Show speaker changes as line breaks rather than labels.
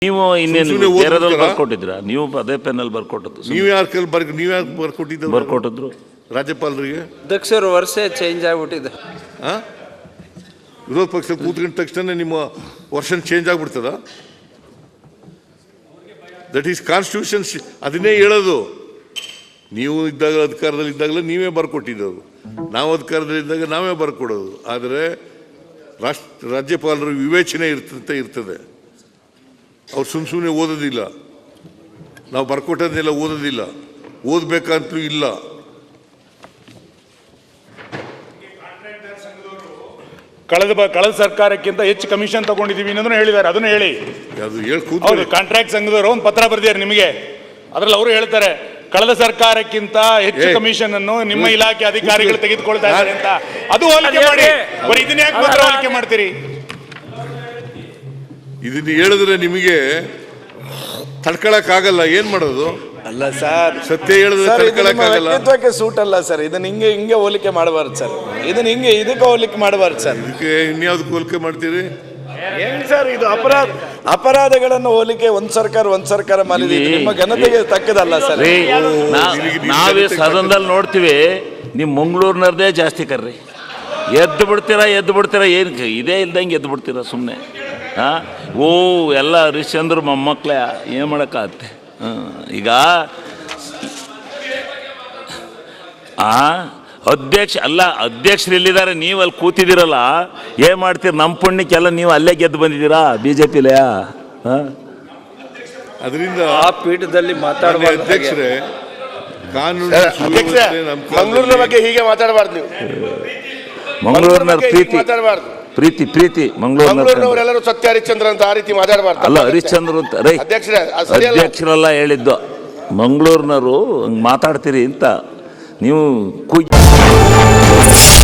ನೀವು ಇನ್ನೇನು ಬೇರೆದಲ್ಲಿ ಬರ್ಕೊಟ್ಟಿದ್ರ? ನೀವು ಅದೇ ಪೆನ್ನಲ್ಲಿ ಬರ್ಕೊಟ್ಟದ್ದು.
ನೀವು ಯಾರು ಬರ್ಕೊಟ್ಟಿದ್ದು?
ಬರ್ಕೊಟ್ಟಿದ್ರು
ರಾಜ್ಯಪಾಲರಿಗೆ.
ಅಧ್ಯಕ್ಷರು ವರ್ಷ ಚೇಂಜ್ ಆಗಿಬಿಟ್ಟಿದೆ.
ವಿರೋಧ ಪಕ್ಷ ಕೂತ್ಕೊಂಡ ತಕ್ಷಣ ನಿಮ್ಮ ವರ್ಷನ್ ಚೇಂಜ್ ಆಗ್ಬಿಡ್ತದ? That is constitution. ಅದನ್ನೇ ಹೇಳೋದು. ನೀವು ಇದ್ದಾಗ ಅಧಿಕಾರದಲ್ಲಿ ಇದ್ದಾಗಲೇ ನೀವೇ ಬರ್ಕೊಟ್ಟಿದ್ದದು, ನಾವು ಅಧಿಕಾರದಲ್ಲಿದ್ದಾಗ ನಾವೇ ಬರ್ಕೊಡೋದು. ಆದರೆ ರಾಜ್ಯಪಾಲರ ವಿವೇಚನೆ ಇರ್ತದೆ. ಅವ್ರು ಸುಮ್ಮನೆ ಓದೋದಿಲ್ಲ, ನಾವು ಬರ್ಕೊಟ್ಟದನ್ನೆಲ್ಲ ಓದೋದಿಲ್ಲ, ಓದಬೇಕಂತಲೂ ಇಲ್ಲ.
ಕಳೆದ ಸರ್ಕಾರಕ್ಕಿಂತ ಹೆಚ್ಚು ಕಮಿಷನ್ ತಗೊಂಡಿದ್ದೀವಿ ಅನ್ನೋದನ್ನ ಹೇಳಿದ್ದಾರೆ. ಅದನ್ನು ಹೇಳಿ. ಹೌದು, ಕಾಂಟ್ರಾಕ್ಟ್ ಸಂಘದವರು ಒಂದು ಪತ್ರ ಬರೆದಿದ್ದಾರೆ ನಿಮಗೆ. ಅದರಲ್ಲಿ ಅವರು ಹೇಳ್ತಾರೆ ಕಳೆದ ಸರ್ಕಾರಕ್ಕಿಂತ ಹೆಚ್ಚು ಕಮಿಷನ್ ಅನ್ನು ನಿಮ್ಮ ಇಲಾಖೆ ಅಧಿಕಾರಿಗಳು ತೆಗೆದುಕೊಳ್ತಾ ಇದ್ದಾರೆ ಅಂತ. ಅದು ಹೋಲಿಕೆ ಮಾಡಿ. ಇದನ್ನ ಯಾಕೆ ಮಾತ್ರ ಹೋಲಿಕೆ ಮಾಡ್ತೀರಿ?
ಇದನ್ನ ಹೇಳಿದ್ರೆ ನಿಮಗೆ ತಡ್ಕೊಳಕ್ಕಾಗಲ್ಲ. ಏನ್ ಮಾಡೋದು?
ಅಲ್ಲ ಸರ್,
ಸತ್ಯ ಹೇಳಿದ್ರೆ ತಡ್ಕೊಳಕ್ಕಾಗಲ್ಲ.
ವ್ಯಕ್ತಿತ್ವಕ್ಕೆ ಸೂಟ್ ಅಲ್ಲ ಸರ್. ಇದನ್ನ ಹಿಂಗೆ ಹೋಲಿಕೆ ಮಾಡಬಾರ್ದು ಸರ್. ಇದಕ್ಕೆ ಹೋಲಿಕೆ ಮಾಡಬಾರ್ದು ಸರ್.
ಇದಕ್ಕೆ ಇನ್ಯಾವ್ದಕ್ಕೆ ಹೋಲಿಕೆ ಮಾಡ್ತೀರಿ?
ಏನ್ ಸರ್ ಇದು? ಅಪರಾಧಗಳನ್ನು ಹೋಲಿಕೆ ಒಂದ್ ಸರ್ಕಾರ ಮಾಡಿದೀವಿ. ನಿಮ್ಮ ಘನತೆಗೆ ತಕ್ಕದಲ್ಲ ಸರ್.
ನಾವೇ ಸದನದಲ್ಲಿ ನೋಡ್ತೀವಿ, ನಿಮ್ ಮಂಗಳೂರಿನವ್ರದೇ ಜಾಸ್ತಿ ಕರ್ರಿ. ಎದ್ದು ಬಿಡ್ತೀರಾ ಏನು ಇದೇ ಇಲ್ದಂಗೆ ಎದ್ದು ಬಿಡ್ತೀರಾ ಸುಮ್ಮನೆ. ಓ ಎಲ್ಲ ಹರಿಶ್ಚಂದ್ರ ಮೊಮ್ಮಕ್ಳ ಏನು ಮಾಡೋಕ್ಕಾಗತ್ತೆ? ಈಗ ಅಧ್ಯಕ್ಷರು ಇಲ್ಲಿದ್ದಾರೆ, ನೀವು ಅಲ್ಲಿ ಕೂತಿದ್ದೀರಲ್ಲ, ಏನು ಮಾಡ್ತೀರಿ? ನಮ್ಮ ಪುಣ್ಯಕ್ಕೆಲ್ಲ ನೀವು ಅಲ್ಲೇ ಗೆದ್ದು ಬಂದಿದ್ದೀರಾ BJP-ಲೇ.
ಅದರಿಂದ
ಆ ಪೀಠದಲ್ಲಿ ಮಾತಾಡುವ
ಅಧ್ಯಕ್ಷರೇ, ಕಾನೂನು
ಮಂಗಳೂರಿನ ಬಗ್ಗೆ ಹೀಗೆ ಮಾತಾಡಬಾರ್ದು ನೀವು.
ಮಂಗಳೂರಿನವ್ರ ಪ್ರೀತಿ
ಮಂಗಳೂರಿನವರೆಲ್ಲರೂ ಸತ್ಯ ಹರಿಶ್ಚಂದ್ರ ಅಂತ ಆ ರೀತಿ ಮಾತಾಡಬಾರ್ದು.
ಅಲ್ಲ, ಹರಿಶ್ಚಂದ್ರ ಅಂತ ಅಧ್ಯಕ್ಷರೆಲ್ಲ ಹೇಳಿದ್ದು. ಮಂಗಳೂರಿನವರು ಹಂಗೆ ಮಾತಾಡ್ತೀರಿ ಅಂತ ನೀವು